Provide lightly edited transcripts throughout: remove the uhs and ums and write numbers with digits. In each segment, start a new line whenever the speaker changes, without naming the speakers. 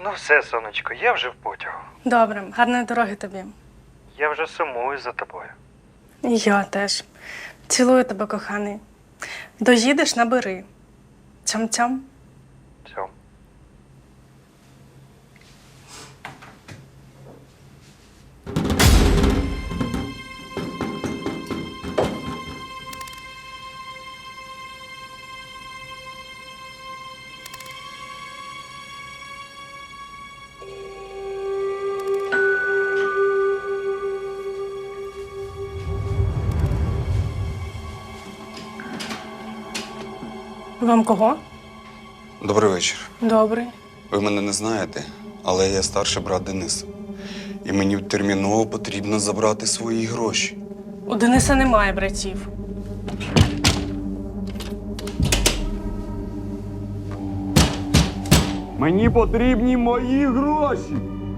Ну все, сонечко, я вже в потягу.
Добре, гарної дороги тобі.
Я вже сумую за тобою.
І я теж. Цілую тебе, коханий. Доїдеш, набери. Цьом-цьом.
Цьом.
Вам кого?
Добрий вечір.
Добрий.
Ви мене не знаєте, але я старший брат Денис. І мені терміново потрібно забрати свої гроші.
У Дениса немає братів.
Мені потрібні мої гроші!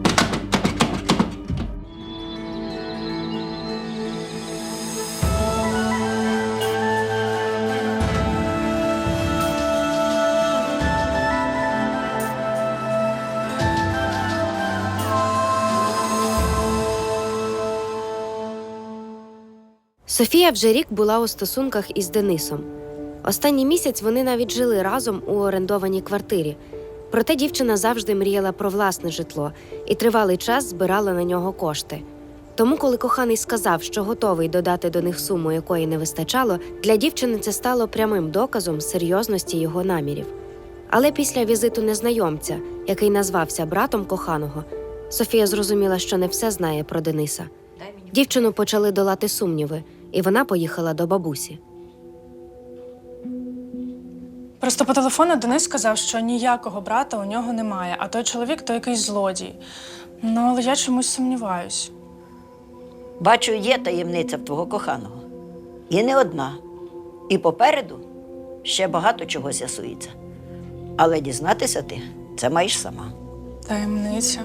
Софія вже рік була у стосунках із Денисом. Останній місяць вони навіть жили разом у орендованій квартирі. Проте дівчина завжди мріяла про власне житло і тривалий час збирала на нього кошти. Тому, коли коханий сказав, що готовий додати до них суму, якої не вистачало, для дівчини це стало прямим доказом серйозності його намірів. Але після візиту незнайомця, який назвався братом коханого, Софія зрозуміла, що не все знає про Дениса. Дівчину почали долати сумніви, і вона поїхала до бабусі.
Просто по телефону Денис сказав, що ніякого брата у нього немає, а той чоловік – то якийсь злодій. Ну, але я чомусь сумніваюсь.
Бачу, є таємниця в твого коханого. І не одна. І попереду ще багато чого з'ясується. Але дізнатися ти це маєш сама.
Таємниця.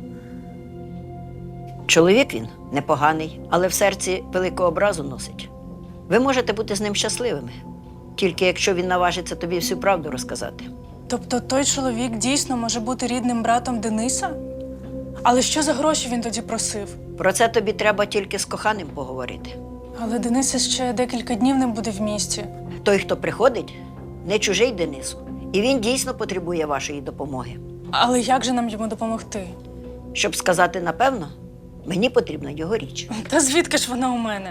Чоловік він непоганий, але в серці велику образу носить. Ви можете бути з ним щасливими, тільки якщо він наважиться тобі всю правду розказати.
Тобто той чоловік дійсно може бути рідним братом Дениса? Але що за гроші він тоді просив?
Про це тобі треба тільки з коханим поговорити.
Але Денис ще декілька днів не буде в місті.
Той, хто приходить, не чужий Денису. І він дійсно потребує вашої допомоги.
Але як же нам йому допомогти?
Щоб сказати напевно, мені потрібна його річ.
Та звідки ж вона у мене?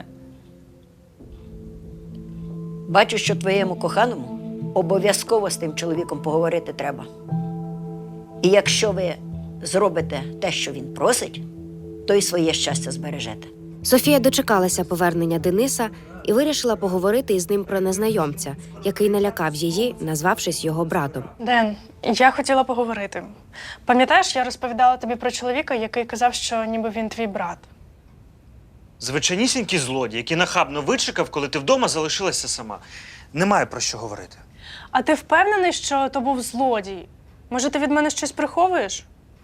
Бачу, що твоєму коханому обов'язково з тим чоловіком поговорити треба. І якщо ви зробите те, що він просить, то й своє щастя збережете.
Софія дочекалася повернення Дениса і вирішила поговорити із ним про незнайомця, який налякав її, назвавшись його братом.
Ден, я хотіла поговорити. Пам'ятаєш, я розповідала тобі про чоловіка, який казав, що ніби він твій брат.
Звичайнісінький злодій, який нахабно вичекав, коли ти вдома залишилася сама. Немає про що говорити.
А ти впевнений, що то був злодій? Може, ти від мене щось приховуєш?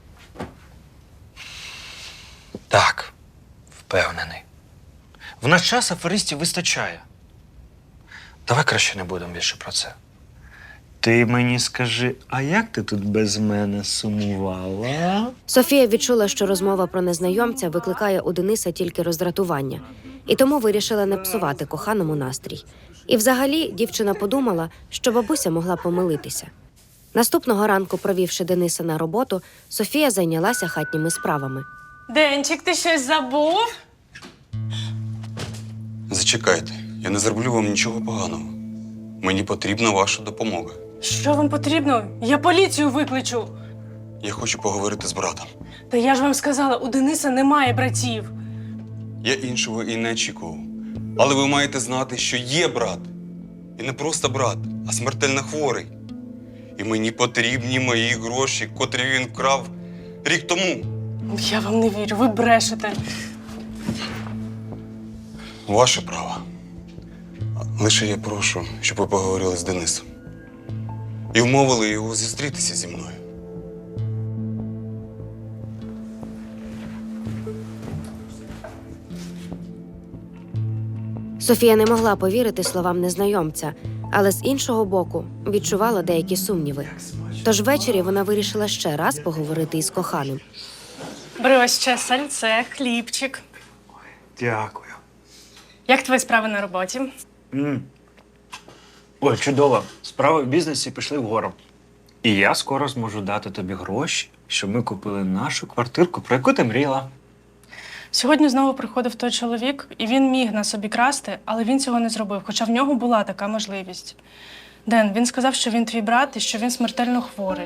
Так, впевнений. В наш час аферистів вистачає. Давай краще не будемо більше про це. Ти мені скажи, а як ти тут без мене сумувала?
Софія відчула, що розмова про незнайомця викликає у Дениса тільки роздратування, і тому вирішила не псувати коханому настрій. І взагалі дівчина подумала, що бабуся могла помилитися. Наступного ранку, провівши Дениса на роботу, Софія зайнялася хатніми справами.
Денчик, ти щось забув?
Зачекайте, я не зроблю вам нічого поганого. Мені потрібна ваша допомога.
Що вам потрібно? Я поліцію викличу.
Я хочу поговорити з братом.
Та я ж вам сказала, у Дениса немає братів.
Я іншого і не очікував. Але ви маєте знати, що є брат. І не просто брат, а смертельно хворий. І мені потрібні мої гроші, котрі він вкрав рік тому.
Я вам не вірю, ви брешете.
Ваше право. Лише я прошу, щоб ви поговорили з Денисом. І вмовили його зустрітися зі мною.
Софія не могла повірити словам незнайомця, але з іншого боку відчувала деякі сумніви. Тож ввечері вона вирішила ще раз поговорити із коханим.
Бери ось ще сальце, хлібчик.
Дякую.
Як твої справи на роботі?
Ой, чудово. Справи в бізнесі пішли вгору. І я скоро зможу дати тобі гроші, щоб ми купили нашу квартирку, про яку ти мріяла.
Сьогодні знову приходив той чоловік, і він міг на собі красти, але він цього не зробив, хоча в нього була така можливість. Ден, він сказав, що він твій брат і що він смертельно хворий.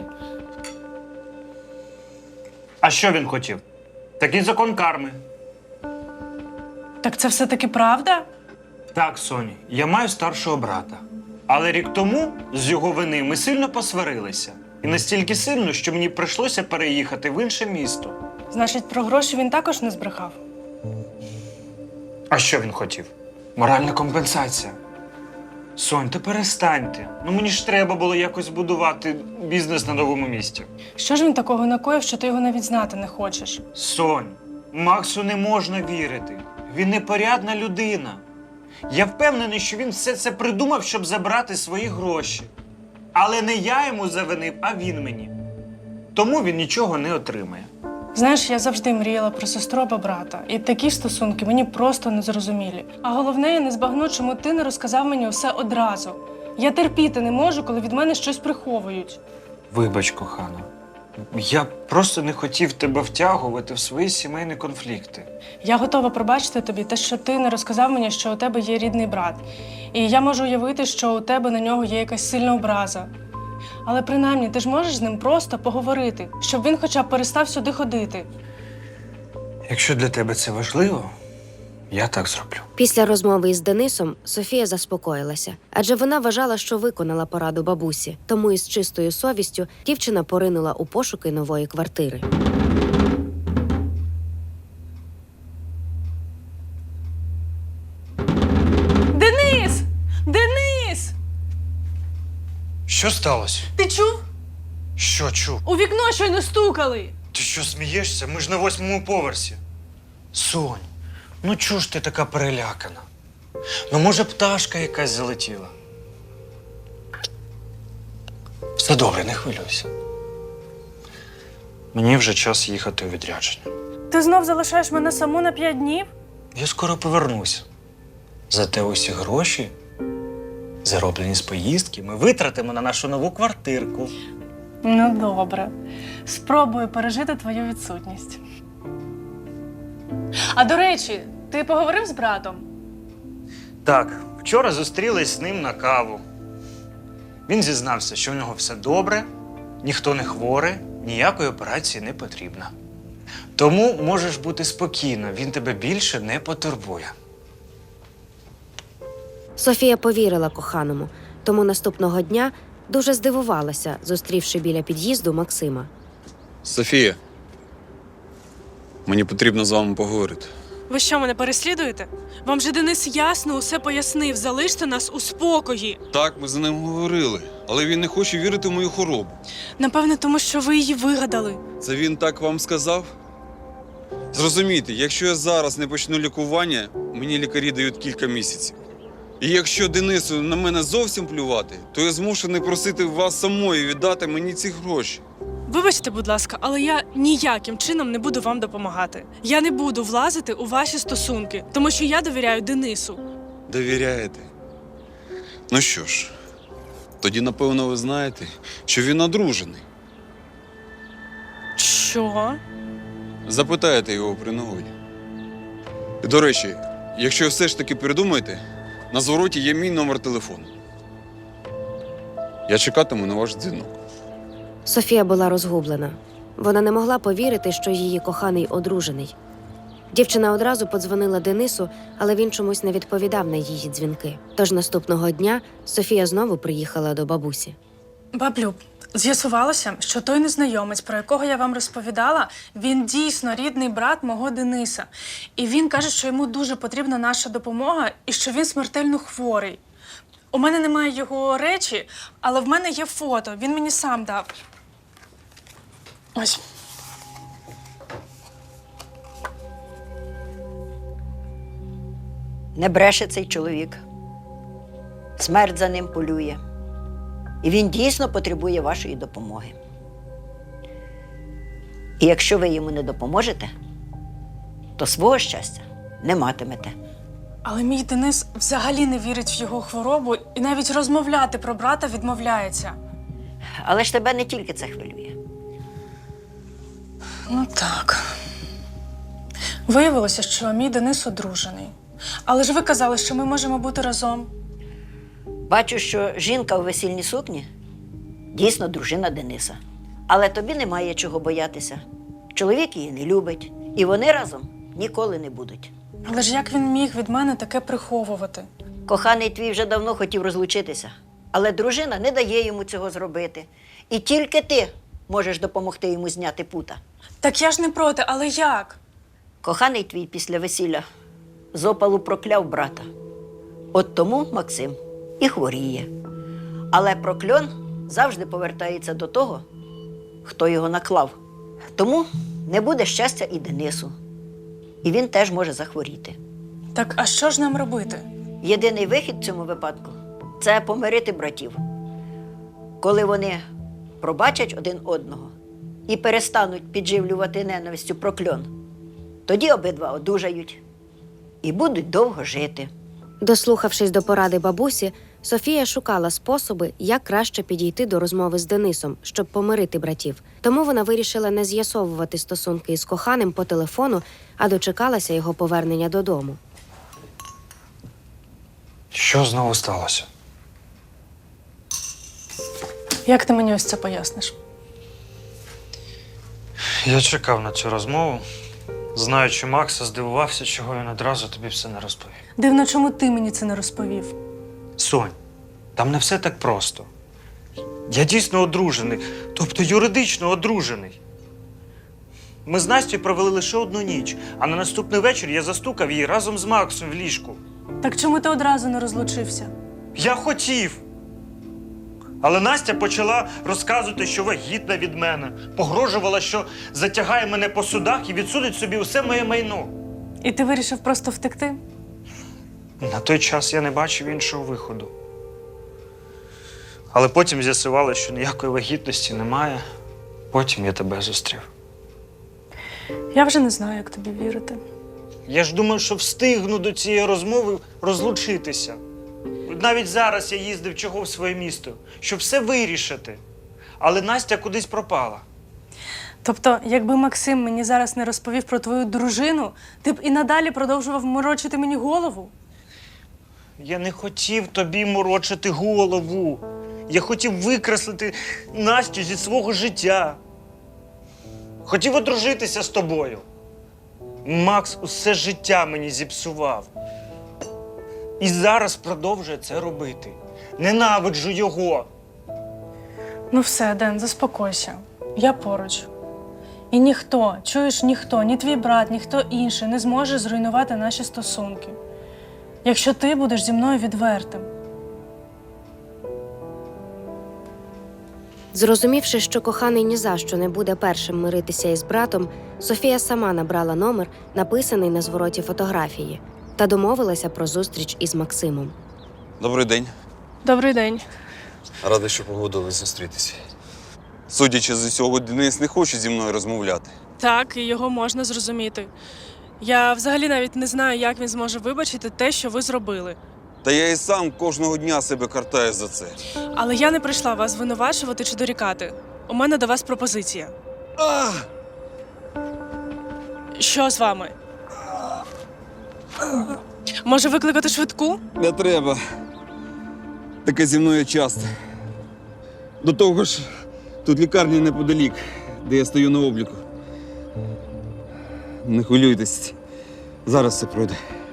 А що він хотів? Такий закон карми.
Так це все-таки правда?
Так, Соні, я маю старшого брата. Але рік тому з його вини ми сильно посварилися. І настільки сильно, що мені прийшлося переїхати в інше місто.
Значить, про гроші він також не збрехав?
А що він хотів? Моральна компенсація. Сонь, ти перестаньте. Ну мені ж треба було якось будувати бізнес на новому місці.
Що ж він такого накоїв, що ти його навіть знати не хочеш?
Сонь, Максу не можна вірити. Він непорядна людина. Я впевнений, що він все це придумав, щоб забрати свої гроші. Але не я йому завинив, а він мені. Тому він нічого не отримає.
Знаєш, я завжди мріяла про сестру або брата. І такі стосунки мені просто незрозумілі. А головне, я не збагну, чому ти не розказав мені усе одразу. Я терпіти не можу, коли від мене щось приховують.
Вибач, кохана. Я просто не хотів тебе втягувати в свої сімейні конфлікти.
Я готова пробачити тобі те, що ти не розказав мені, що у тебе є рідний брат. І я можу уявити, що у тебе на нього є якась сильна образа. Але принаймні ти ж можеш з ним просто поговорити, щоб він хоча б перестав сюди ходити.
Якщо для тебе це важливо, я так зроблю.
Після розмови із Денисом Софія заспокоїлася, адже вона вважала, що виконала пораду бабусі. Тому із чистою совістю дівчина поринула у пошуки нової квартири.
Денис! Денис!
Що сталося?
Ти чув?
Що чув?
У вікно щойно стукали!
Ти що, смієшся? Ми ж на 8-му поверсі. Сонь, ну чого ж ти така перелякана? Ну, може, пташка якась залетіла? Все добре, не хвилюйся. Мені вже час їхати у відрядження.
Ти знов залишаєш мене саму на 5 днів?
Я скоро повернуся. Зате усі гроші, зароблені з поїздки, ми витратимо на нашу нову квартирку.
Ну, добре. Спробую пережити твою відсутність. А до речі, ти поговорив з братом?
Так, вчора зустрілись з ним на каву. Він зізнався, що в нього все добре, ніхто не хворий, ніякої операції не потрібно. Тому можеш бути спокійна, він тебе більше не потурбує.
Софія повірила коханому, тому наступного дня дуже здивувалася, зустрівши біля під'їзду Максима.
Софія, мені потрібно з вами поговорити.
Ви що, мене переслідуєте? Вам же Денис ясно усе пояснив. Залиште нас у спокої.
Так, ми за ним говорили, але він не хоче вірити в мою хворобу.
Напевне, тому що ви її вигадали.
Це він так вам сказав? Зрозумійте, якщо я зараз не почну лікування, мені лікарі дають кілька місяців. І якщо Денису на мене зовсім плювати, то я змушений просити вас самої віддати мені ці гроші.
Вибачте, будь ласка, але я ніяким чином не буду вам допомагати. Я не буду влазити у ваші стосунки, тому що я довіряю Денису.
Довіряєте? Ну що ж, тоді, напевно, ви знаєте, що він одружений.
Що?
Запитаєте його при нагоді. І, до речі, якщо все ж таки передумаєте, на звороті є мій номер телефону. Я чекатиму на ваш дзвінок.
Софія була розгублена. Вона не могла повірити, що її коханий одружений. Дівчина одразу подзвонила Денису, але він чомусь не відповідав на її дзвінки. Тож наступного дня Софія знову приїхала до бабусі.
Баблю, з'ясувалося, що той незнайомець, про якого я вам розповідала, він дійсно рідний брат мого Дениса. І він каже, що йому дуже потрібна наша допомога і що він смертельно хворий. У мене немає його речі, але в мене є фото. Він мені сам дав. Ось.
Не бреше цей чоловік. Смерть за ним полює. І він дійсно потребує вашої допомоги. І якщо ви йому не допоможете, то свого щастя не матимете.
Але мій Денис взагалі не вірить в його хворобу і навіть розмовляти про брата відмовляється.
Але ж тебе не тільки це хвилює.
Ну так. Виявилося, що мій Денис одружений. Але ж ви казали, що ми можемо бути разом.
Бачу, що жінка у весільній сукні дійсно дружина Дениса. Але тобі немає чого боятися. Чоловік її не любить, і вони разом ніколи не будуть.
Але ж як він міг від мене таке приховувати?
Коханий твій вже давно хотів розлучитися, але дружина не дає йому цього зробити. І тільки ти можеш допомогти йому зняти пута.
Так я ж не проти, але як?
Коханий твій після весілля з опалу прокляв брата. От тому Максим і хворіє. Але прокльон завжди повертається до того, хто його наклав. Тому не буде щастя і Денису. І він теж може захворіти.
Так, а що ж нам робити?
Єдиний вихід в цьому випадку – це помирити братів. Коли вони пробачать один одного і перестануть підживлювати ненавистю прокльон, тоді обидва одужають і будуть довго жити.
Дослухавшись до поради бабусі, Софія шукала способи, як краще підійти до розмови з Денисом, щоб помирити братів. Тому вона вирішила не з'ясовувати стосунки із коханим по телефону, а дочекалася його повернення додому.
Що знову сталося?
Як ти мені ось це поясниш?
Я чекав на цю розмову, знаючи Макса, здивувався, чого він одразу тобі все не розповів.
Дивно, чому ти мені це не розповів?
Сонь, там не все так просто. Я дійсно одружений, тобто юридично одружений. Ми з Настю провели лише одну ніч, а на наступний вечір я застукав її разом з Максом в ліжку.
Так чому ти одразу не розлучився?
Я хотів. Але Настя почала розказувати, що вагітна від мене, погрожувала, що затягає мене по судах і відсудить собі усе моє майно.
І ти вирішив просто втекти?
На той час я не бачив іншого виходу. Але потім з'ясувалося, що ніякої вагітності немає. Потім я тебе зустрів.
Я вже не знаю, як тобі вірити.
Я ж думав, що встигну до цієї розмови розлучитися. Навіть зараз я їздив чого в своє місто, щоб все вирішити. Але Настя кудись пропала.
Тобто, якби Максим мені зараз не розповів про твою дружину, ти б і надалі продовжував морочити мені голову?
Я не хотів тобі морочити голову. Я хотів викреслити Настю зі свого життя. Хотів одружитися з тобою. Макс усе життя мені зіпсував. І зараз продовжує це робити. Ненавиджу його.
Ну все, Ден, заспокойся. Я поруч. І ніхто, чуєш, ніхто, ні твій брат, ніхто інший не зможе зруйнувати наші стосунки. Якщо ти будеш зі мною відвертим.
Зрозумівши, що коханий ні за що не буде першим миритися із братом, Софія сама набрала номер, написаний на звороті фотографії, та домовилася про зустріч із Максимом.
Добрий день.
Добрий день.
Радий, що погодились зустрітися. Судячи з усього, Денис не хоче зі мною розмовляти.
Так, і його можна зрозуміти. Я взагалі навіть не знаю, як він зможе вибачити те, що ви зробили.
Та я і сам кожного дня себе картаю за це.
Але я не прийшла вас звинувачувати чи дорікати. У мене до вас пропозиція. Що з вами? Може викликати швидку?
Не треба. Таке зі мною часто. До того ж, тут лікарня неподалік, де я стою на обліку. Не хвилюйтесь, зараз все пройде.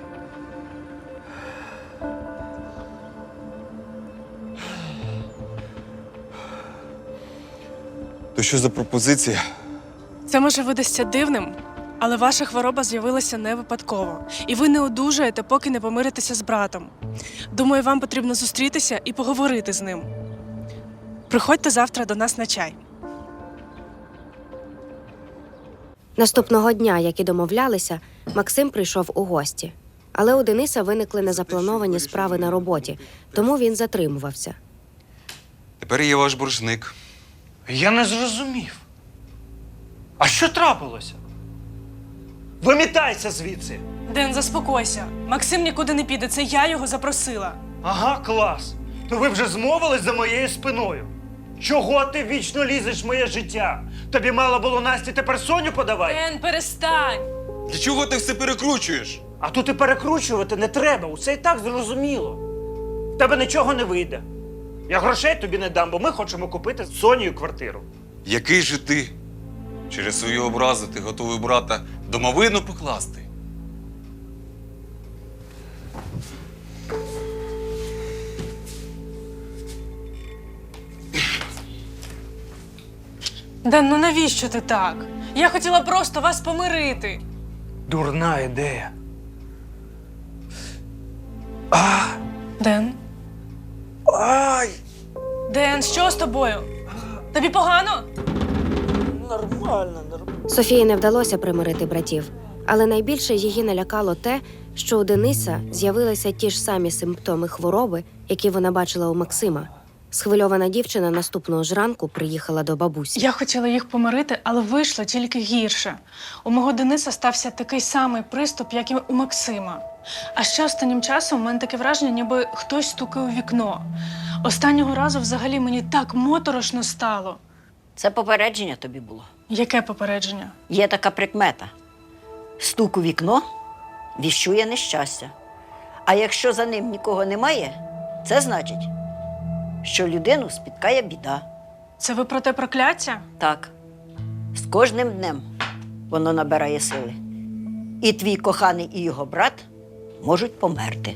То що за пропозиція?
Це може видасться дивним, але ваша хвороба з'явилася не випадково. І ви не одужаєте, поки не помиритеся з братом. Думаю, вам потрібно зустрітися і поговорити з ним. Приходьте завтра до нас на чай.
Наступного дня, як і домовлялися, Максим прийшов у гості. Але у Дениса виникли незаплановані справи на роботі, тому він затримувався.
тепер я ваш боржник.
Я не зрозумів. А що трапилося? Вимітайся звідси!
Ден, заспокойся. Максим нікуди не піде, це я його запросила.
Ага, клас. То ви вже змовились за моєю спиною. Чого ти вічно лізеш в моє життя? Тобі мало було Насті тепер Соню подавай?
Ден, перестань!
Для чого ти все перекручуєш?
А тут і перекручувати не треба, усе і так зрозуміло. В тебе нічого не вийде. Я грошей тобі не дам, бо ми хочемо купити з Сонею квартиру.
Який же ти? Через свої образи ти готовий брата домовину покласти?
Ден, ну навіщо ти так? Я хотіла просто вас помирити.
Дурна ідея.
Ден?
Ай!
Ден, що з тобою? Тобі погано?
Нормально.
Софії не вдалося примирити братів, але найбільше її налякало те, що у Дениса з'явилися ті ж самі симптоми хвороби, які вона бачила у Максима. Схвильована дівчина наступного ж ранку приїхала до бабусі.
Я хотіла їх помирити, але вийшло тільки гірше. У мого Дениса стався такий самий приступ, як і у Максима. А ще останнім часом у мене таке враження, ніби хтось стукає у вікно. Останнього разу взагалі мені так моторошно стало.
Це попередження тобі було.
Яке попередження?
Є така прикмета. Стук у вікно віщує нещастя. А якщо за ним нікого немає, це значить, що людину спіткає біда.
Це ви про те прокляття?
Так, з кожним днем воно набирає сили. І твій коханий, і його брат можуть померти.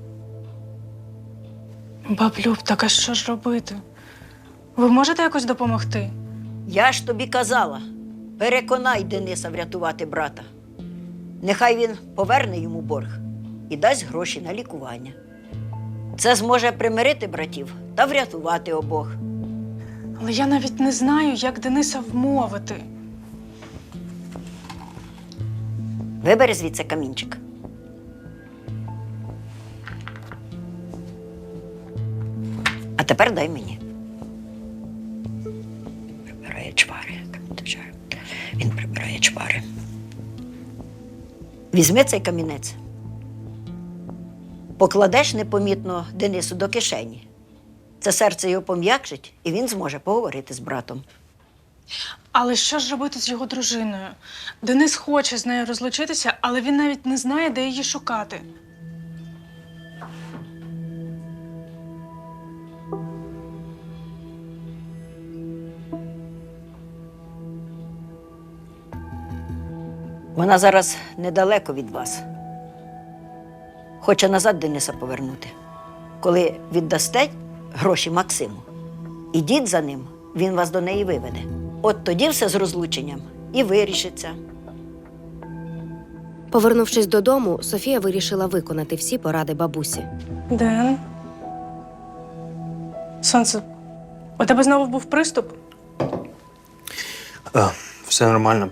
Баблюб, так а що ж робити? Ви можете якось допомогти?
Я ж тобі казала, переконай Дениса врятувати брата. Нехай він поверне йому борг і дасть гроші на лікування. Це зможе примирити братів та врятувати обох.
Але я навіть не знаю, як Дениса вмовити.
Вибери звідси камінчик. А тепер дай мені. Прибирає чвари. Він прибирає чвари. Візьми цей камінець. Покладеш непомітно Денису до кишені. Це серце його пом'якшить, і він зможе поговорити з братом.
Але що ж робити з його дружиною? Денис хоче з нею розлучитися, але він навіть не знає, де її шукати.
Вона зараз недалеко від вас. Хоче назад Дениса повернути. Коли віддасте гроші Максиму, ідіть за ним, він вас до неї виведе. От тоді все з розлученням і вирішиться.
Повернувшись додому, Софія вирішила виконати всі поради бабусі.
Ден? Сонце, у тебе знову був приступ?
Все нормально.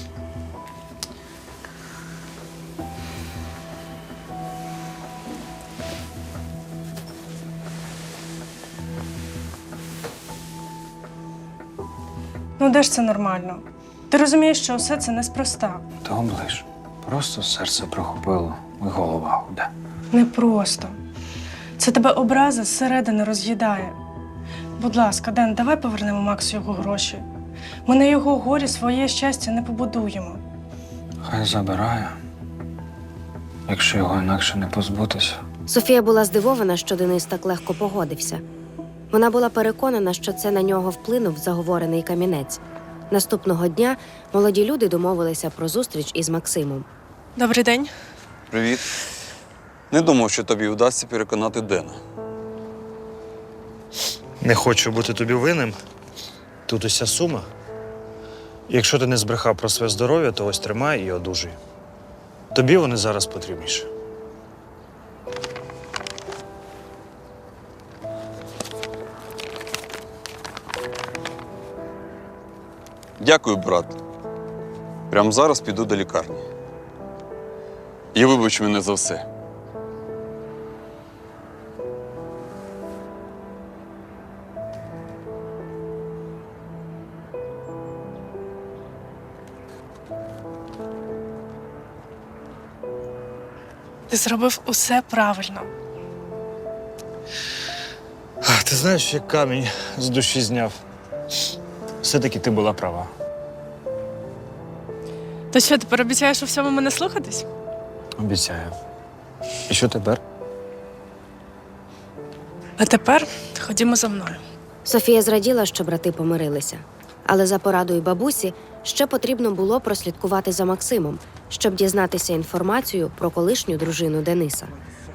Ну де ж це нормально? Ти розумієш, що все це неспроста.
Та оближ. Просто серце прохопило і голова гуде.
Непросто. Це тебе образи зсередини роз'їдає. Будь ласка, Ден, давай повернемо Максу його гроші. Ми на його горі своє щастя не побудуємо.
Хай забирає, якщо його інакше не позбутися.
Софія була здивована, що Денис так легко погодився. Вона була переконана, що це на нього вплинув заговорений камінець. Наступного дня молоді люди домовилися про зустріч із Максимом.
Добрий день.
Привіт. Не думав, що тобі вдасться переконати Дена.
Не хочу бути тобі винним. Тут уся сума. Якщо ти не збрехав про своє здоров'я, то ось тримай і одужуй. Тобі вони зараз потрібніші.
Дякую, брат. Прямо зараз піду до лікарні. І вибач мене за все.
Ти зробив усе правильно.
Ти знаєш, як камінь з душі зняв. Все-таки ти була права.
То що, тепер обіцяєш у всьому мене слухатись?
Обіцяю. І що тепер?
А тепер ходімо за мною.
Софія зраділа, що брати помирилися. Але за порадою бабусі ще потрібно було прослідкувати за Максимом, щоб дізнатися інформацію про колишню дружину Дениса.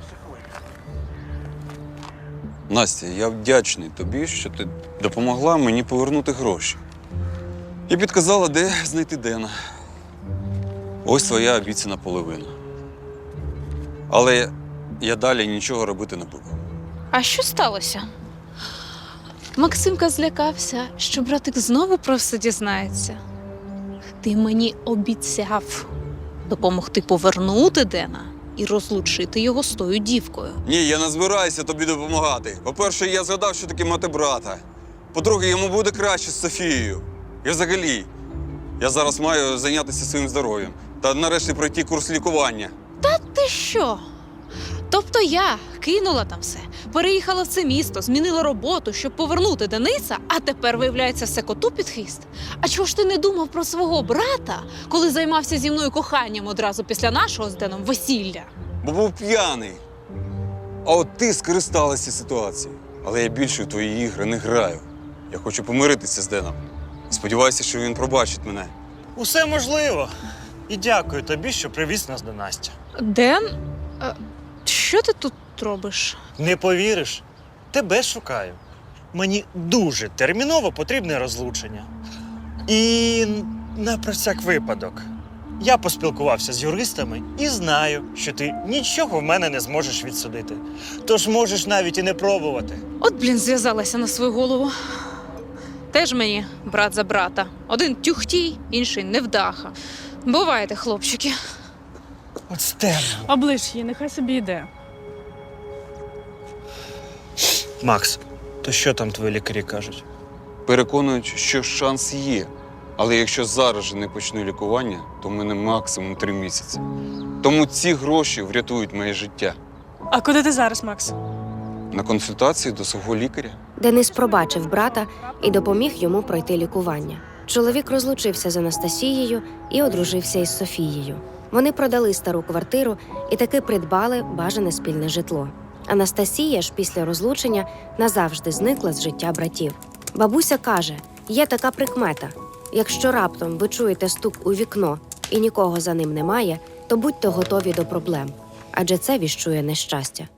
Настя, я вдячний тобі, що ти допомогла мені повернути гроші. І підказала, де знайти Дена. Ось твоя обіцяна половина. Але я далі нічого робити не буду.
А що сталося? Максимка злякався, що братик знову про все дізнається. Ти мені обіцяв допомогти повернути Дена і розлучити його з тою дівкою.
Ні, я не збираюся тобі допомагати. По-перше, я згадав, що таке мати брата. По-друге, йому буде краще з Софією. І взагалі, я зараз маю зайнятися своїм здоров'ям та нарешті пройти курс лікування.
Ти що? Тобто я кинула там все, переїхала в це місто, змінила роботу, щоб повернути Дениса, а тепер, виявляється, все коту під хвіст? А чого ж ти не думав про свого брата, коли займався зі мною коханням одразу після нашого з Деном весілля?
Бо був п'яний. А от ти скористалася ситуацією. Але я більше у твої ігри не граю. Я хочу помиритися з Деном. Сподіваюся, що він пробачить мене.
Усе можливо. І дякую тобі, що привіз нас до Насті.
Ден? Що ти тут робиш?
Не повіриш? Тебе шукаю. Мені дуже терміново потрібне розлучення. І на про всяк випадок. Я поспілкувався з юристами і знаю, що ти нічого в мене не зможеш відсудити. Тож можеш навіть і не пробувати.
От, зв'язалася на свою голову. Теж мені брат за брата. Один тюхтій, інший невдаха. Бувайте, хлопчики.
От стерно.
Оближ її, нехай собі йде.
Макс, то що там твої лікарі кажуть?
Переконують, що шанс є. Але якщо зараз же не почну лікування, то в мене максимум 3 місяці. Тому ці гроші врятують моє життя.
А куди ти зараз, Макс?
На консультації до свого лікаря.
Денис пробачив брата і допоміг йому пройти лікування. Чоловік розлучився з Анастасією і одружився із Софією. Вони продали стару квартиру і таки придбали бажане спільне житло. Анастасія ж після розлучення назавжди зникла з життя братів. Бабуся каже, є така прикмета. Якщо раптом ви чуєте стук у вікно і нікого за ним немає, то будьте готові до проблем, адже це віщує нещастя.